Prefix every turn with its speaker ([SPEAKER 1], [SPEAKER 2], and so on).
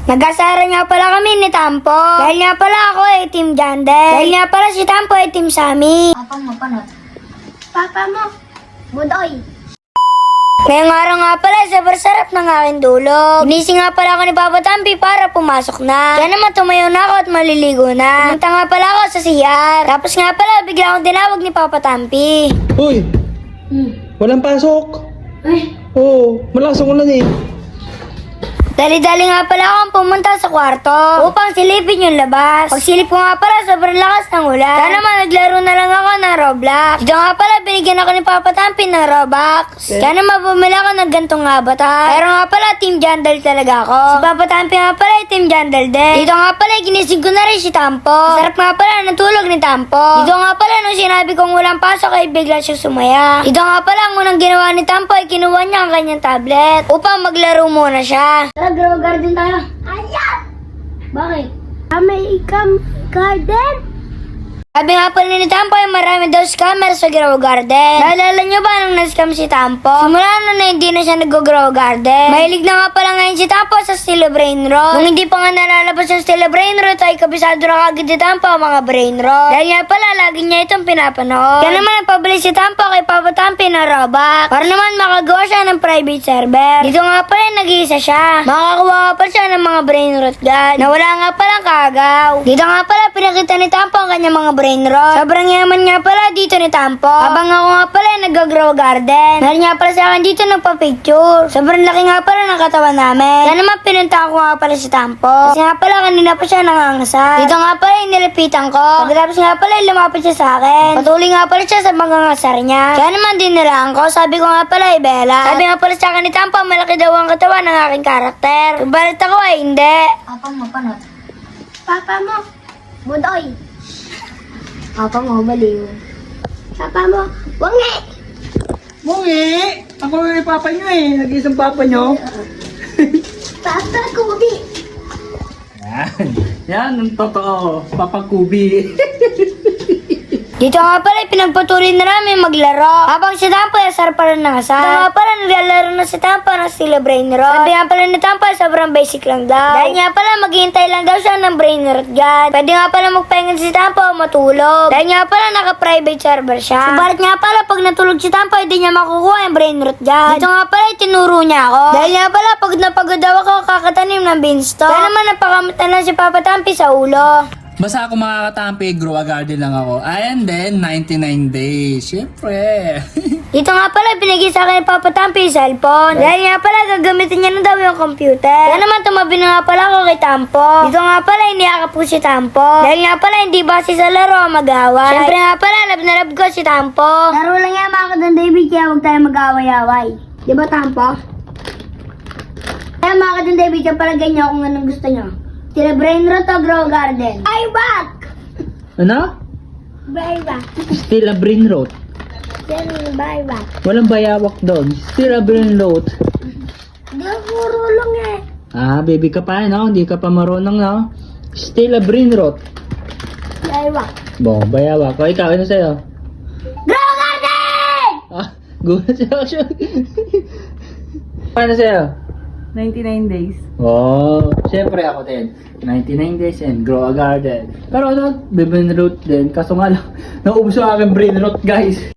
[SPEAKER 1] Nag-asara nga pala kami ni Tampo. Dahil nga pala ako ay Team Jandel. Dahil nga pala si Tampo ay Team Sammy.
[SPEAKER 2] Papa mo, panot. Papa mo, Budoy.
[SPEAKER 1] Ngayong araw nga pala, sobrang sarap ng aking dulog. Ginising nga pala ako ni Papa Tampi para pumasok na. Kaya naman tumayo na ako at maliligo na. Pumunta nga pala ako sa CR. Tapos nga pala, bigla akong tinawag ni Papa Tampi.
[SPEAKER 3] Uy! Walang pasok! Oo, malakas ang ulan eh.
[SPEAKER 1] Dali-dali nga pala akong pumunta sa kwarto upang silipin yung labas. Pagsilip ko nga pala, sobrang lakas ng ulan. Kaya naman, naglaro na lang ako ng Roblox. Dito nga pala, binigyan ako ni Papa Tampi ng Robux. Kaya naman, bumili ako ng gantong avatar. Pero nga pala, Team Jandel talaga ako. Si Papa Tampi nga pala, Team Jandel din. Dito nga pala, ginising ko na rin si Tampo. Sarap nga pala ng tulog ni Tampo. Dito nga pala, nung sinabi kong walang pasok, ay bigla siya sumaya. Dito nga pala, ang unang ginawa ni Tampo ay kinuha niya ang kanyang tablet upang maglaro muna siya.
[SPEAKER 2] Tara, grow garden tayo. Ayan!
[SPEAKER 1] Bakit?
[SPEAKER 2] May garden?
[SPEAKER 1] Sabi nga pala ni Tampo ay marami daw scammer sa Grow Garden. Naalala nyo ba nung na-scam si Tampo? Simula na hindi na siya nag-Grow Garden. Mahilig na nga pala ngayon si Tampo sa Steel Brain Rot. Nung hindi pa nga nalalabas yung Steel Brain Rot ay kabisado na kagad ni Tampo ang mga Brain Rot. Dahil nga pala lagi niya itong pinapanood. Kaya naman nagpabili si Tampo kay Papa Tampi ng Robux para naman makagawa siya ng private server. Dito nga pala nag-iisa siya. Makakuha pa siya ng mga Brain Rot God na wala nga palang kagaw. Dito nga pala pinakita ni Tampo ang kanyang mga Brain Rot. Sobrang yaman nga pala dito ni Tampo. Habang ako nga pala nag-grow garden. Dahil nga pala sa akin dito nagpa-picture. Sobrang laki nga pala ng katawan namin. Kaya naman pinunta ko nga pala si Tampo. Kasi nga pala kanina pa siya nangangasar. Dito nga pala inilipitan ko. Pagkatapos nga pala lumapit siya sa akin. Patuloy nga pala siya sa mangangasar niya. Kaya naman dinilaan ko. Sabi ko nga pala Bella. Sabi nga pala sa akin ni Tampo malaki daw ang katawan ng aking karakter. Balit ako ay hindi.
[SPEAKER 2] Papa mo, panot. Papa mo, Budoy. Papa mo, baliw. Papa mo, wangi.
[SPEAKER 3] Bungi! Ako yung papa nyo eh. Nag-isang papa nyo.
[SPEAKER 2] Papa, kubi.
[SPEAKER 3] Yan. Yan ang totoo. Papa Kubi.
[SPEAKER 1] Dito nga pala, pinagpatuloy na namin maglaro. Habang si Tampo ay asar pa rin ng asar. Dito nga pala, naglalaro na si Tampo ng Steel Brain Rot. Sabi nga pala ni Tampo, sobrang basic lang daw. Dahil nga pala, maghihintay lang daw siya ng Brain Rot God. Pwede nga pala magpahinga si Tampo o matulog. Dahil nga pala, naka-private server siya. Subalit nga pala, pag natulog si Tampo, hindi niya makukuha yung Brain Rot God. Dito nga pala, tinuro niya ako. Dahil nga pala, pag napagod daw ako, kakatanim ng beanstalk. Kaya naman, napakamata na si Papa Tampi sa ulo.
[SPEAKER 4] Basta ako makakatampi, grow a garden lang ako. And then, 99 days. Siyempre.
[SPEAKER 1] Dito nga pala, binigay sa akin ni Papa Tampi yung cellphone. Dahil nga pala, gagamitin niya na daw yung computer. Kaya naman, tumabi na nga pala ako kay Tampo. Dito nga pala, iniyakap ko si Tampo. Dahil nga pala, hindi base sa laro ang mag-away. Siyempre nga pala, love na love ko si Tampo.
[SPEAKER 2] Laro lang yan mga kadan David, kaya huwag tayo mag-away-away. Di ba, Tampo? Kaya mga kadan David, kaya pala ganyan kung anong gusto nyo. Sila Brain Rot o Grow Garden. Ay, back!
[SPEAKER 3] Ano?
[SPEAKER 2] Bye back.
[SPEAKER 3] Still a brain rot.
[SPEAKER 2] Yan, bye back.
[SPEAKER 3] Walang bayawak doon. Still a brain rot.
[SPEAKER 2] Di, puro lang eh.
[SPEAKER 3] Ah, baby ka pa no? Hindi ka pa marunong no? Still a brain rot.
[SPEAKER 2] Bye back.
[SPEAKER 3] Bo, bayawak. O ikaw, ano sa'yo?
[SPEAKER 2] Grow Garden!
[SPEAKER 3] Ah, gulat sa'yo siya. Paano sa'yo?
[SPEAKER 4] 99 days.
[SPEAKER 3] Oh, syempre ako din. 99 days and grow a garden. Pero ano, brain rot din. Kaso nga lang, naubos yung aking brain rot guys.